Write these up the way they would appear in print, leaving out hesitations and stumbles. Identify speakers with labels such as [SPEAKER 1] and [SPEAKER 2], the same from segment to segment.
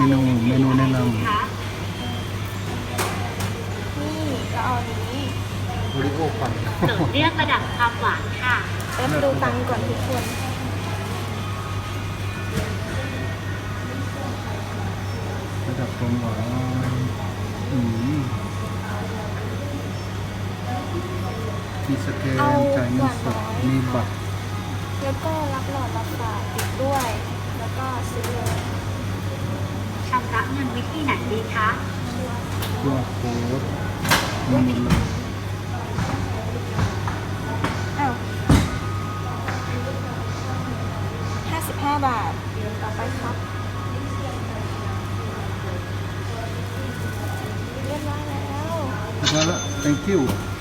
[SPEAKER 1] นูแนะนำ
[SPEAKER 2] นี่ก็เอานี้
[SPEAKER 1] โอริโอปั่น
[SPEAKER 3] โดดเลือกระดับความหวานค่ะ
[SPEAKER 2] เอฟดูตังค์ก่อนทุกคน
[SPEAKER 1] ระดับความหวานมีสแกนจ่ายเงินสดมีบัตร
[SPEAKER 2] แล้วก็รับหลอดรับฝากติดด้วย แล้วก็ซื้อเลย
[SPEAKER 3] ชำระเงินวิธีไหนดีคะ
[SPEAKER 1] QR code มีหมดเลย
[SPEAKER 2] อ้าว55 บาท ต่อไปครับ เรียบร้อยแล้ว
[SPEAKER 1] แล้วละ thank you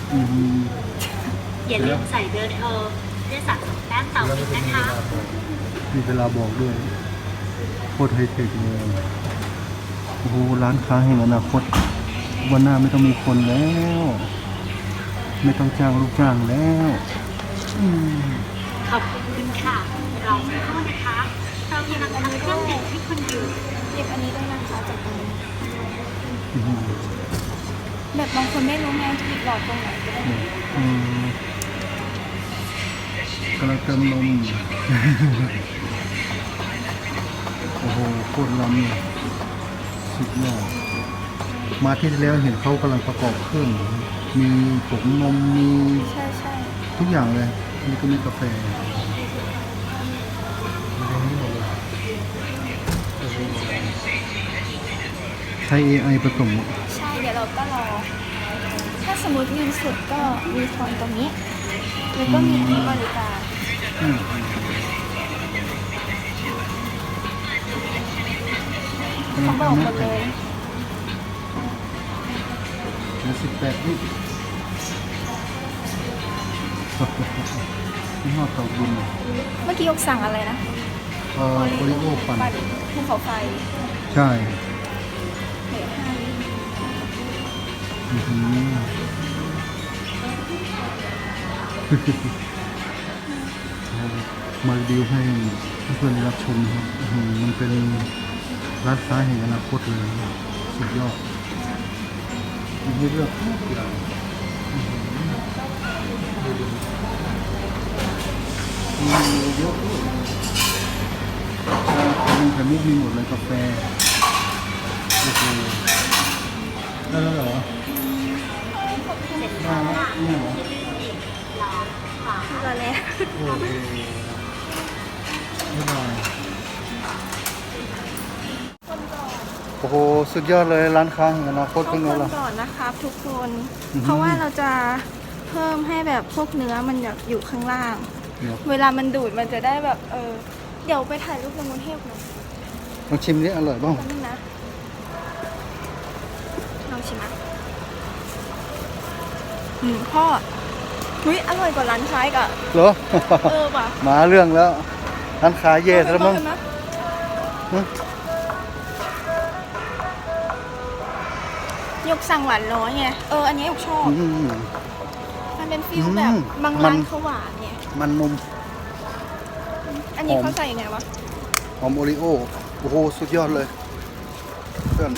[SPEAKER 3] อย่าลืมใส่เบอร์โทรเพื่อสะสมแต้มต่ออีกนะคะ
[SPEAKER 1] มีเวลาบอกด้วยโคตรไฮเทคเลยโอ้โหร้านค้าแห่งอนาคตวันหน้าไม่ต้องมีคนแล้ว ไม่ต้องจ้างลูกจ้างแล้ว
[SPEAKER 3] ขอบคุณค่ะรอสักครู่นะคะ เรากำลังทำเครื่องดื่มให้คุณอยู่
[SPEAKER 2] หยิบอันนี้ด้วยนะคะจากตรงนี้
[SPEAKER 1] อื้อหือ
[SPEAKER 2] แบบบางคนไม่รู้ไงหยิบหลอดตรงไหนก็ได้
[SPEAKER 1] กำลังเติมนม โอ้โหโคตรล้ำเลยสุดยอดมาที่ที่แล้วเห็นเขากำลังประกอบเครื่อง มีผงนมมี
[SPEAKER 2] ใช่ใช่
[SPEAKER 1] ทุกอย่างเลยนี่ก็มีกาแฟใช้ AI ผสม
[SPEAKER 2] ใช่ เดี๋ยวเราก็รอ ถ้าสมมติเงินสดก็มีทอนตรงนี้ แล้วก็มีอันนี้บริการ
[SPEAKER 1] อืม
[SPEAKER 2] เขาบอกหมดเลย
[SPEAKER 1] 18นี่นี่หอดเตาบุญ
[SPEAKER 2] เมื่อกี้ยกสั่งอะไรนะ
[SPEAKER 1] โอริโอปั่น
[SPEAKER 2] ภูเขาไฟ
[SPEAKER 1] ใช่
[SPEAKER 2] เหลือ5 ลิตร
[SPEAKER 1] อื้อหือ มารีวิวให้เพื่อนๆได้รับชมครับอื้อหือมันเป็นร้านค้าแห่งอนาคตเลยสุดยอดมีเลือกทุกอย่างอื้อหือมีเยอะด้วยชาไข่มุกมีหมดเลยกาแฟโอ้โหได้แล้วเหรอ
[SPEAKER 3] เสร็จ
[SPEAKER 1] ได้
[SPEAKER 3] แล้ว
[SPEAKER 1] แล้ว
[SPEAKER 3] ค่ะ
[SPEAKER 1] เนี่ยเหรอ
[SPEAKER 3] รอขวา
[SPEAKER 2] คืออะไร
[SPEAKER 1] โอเคไม่ได้โอ้โห สุดยอดเลยร้านค้าแห่งอนาคต
[SPEAKER 2] ทุก
[SPEAKER 1] เป็น
[SPEAKER 2] ค
[SPEAKER 1] ไง
[SPEAKER 2] น
[SPEAKER 1] ล่ะ
[SPEAKER 2] ก่อนนะครับทุกคน
[SPEAKER 1] อือหือ
[SPEAKER 2] เพราะว่าเราจะเพิ่มให้แบบพวกเนื้อมันแบบอยู่ข้างล่าง
[SPEAKER 1] เดี๋ยว
[SPEAKER 2] เวลามันดูดมันจะได้แบบเดี๋ยวไปถ่ายรูปลงบนเทพหน่อย
[SPEAKER 1] ลองชิมนี่อร่อยบ้าง
[SPEAKER 2] แป๊บนึงนะลองชิมอ่ะพ่อเฮ้ยอร่อยกว่าร้านค้าอีกอ่ะ
[SPEAKER 1] เหรอ
[SPEAKER 2] ว่ะ
[SPEAKER 1] มาเรื่องแล้วร้านค้าแย่ซะแล้วมั้ง
[SPEAKER 2] เห็นไห
[SPEAKER 1] ฮะ
[SPEAKER 2] ยกสั่งหวานน้อยไงอันนี้ยกชอบ
[SPEAKER 1] อืม
[SPEAKER 2] มันเป็นฟิลแบบบาง
[SPEAKER 1] มั
[SPEAKER 2] ร้าน นเขาหวานไง
[SPEAKER 1] มันนม
[SPEAKER 2] อันนี้
[SPEAKER 1] หอม
[SPEAKER 2] เขาใส่ยังไงวะ
[SPEAKER 1] หอมโอริโอ โอ้โห สุดยอดเลย เพื่อน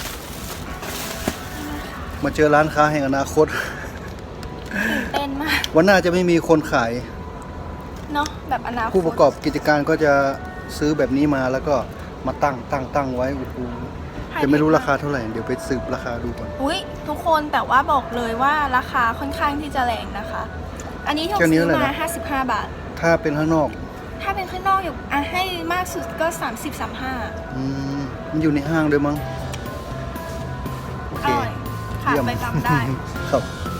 [SPEAKER 1] มาเจอร้านค้าแห่งอนาคต
[SPEAKER 2] ตื่นเต้นมาก
[SPEAKER 1] วันหน้าจะไม่มีคนขาย
[SPEAKER 2] เนาะแบบอนาคต
[SPEAKER 1] ผู้ประกอบกิจการก็จะซื้อแบบนี้มาแล้วก็มาตั้งไว้โอ้โหจะไม่รู้ราคาเท่าไหร่ เดี๋ยวไปสืบราคาดูก่อน
[SPEAKER 2] อุ้ยทุกคนแต่ว่าบอกเลยว่าราคาค่อนข้างที่จะแรงนะคะ อันนี้ที่
[SPEAKER 1] แค่นี้
[SPEAKER 2] ซื้อ
[SPEAKER 1] เลย
[SPEAKER 2] มา
[SPEAKER 1] นะ
[SPEAKER 2] 55 บาท
[SPEAKER 1] ถ้าเป็นข้างนอก
[SPEAKER 2] ถ้าเป็นข้างนอกอยู่ให้มากสุดก็30-35
[SPEAKER 1] มันอยู่ในห้างด้วยมั้ง โอ
[SPEAKER 2] อ
[SPEAKER 1] เค
[SPEAKER 2] ร่อยขาด
[SPEAKER 1] เยี่ยม
[SPEAKER 2] ไปจำได้
[SPEAKER 1] ครับ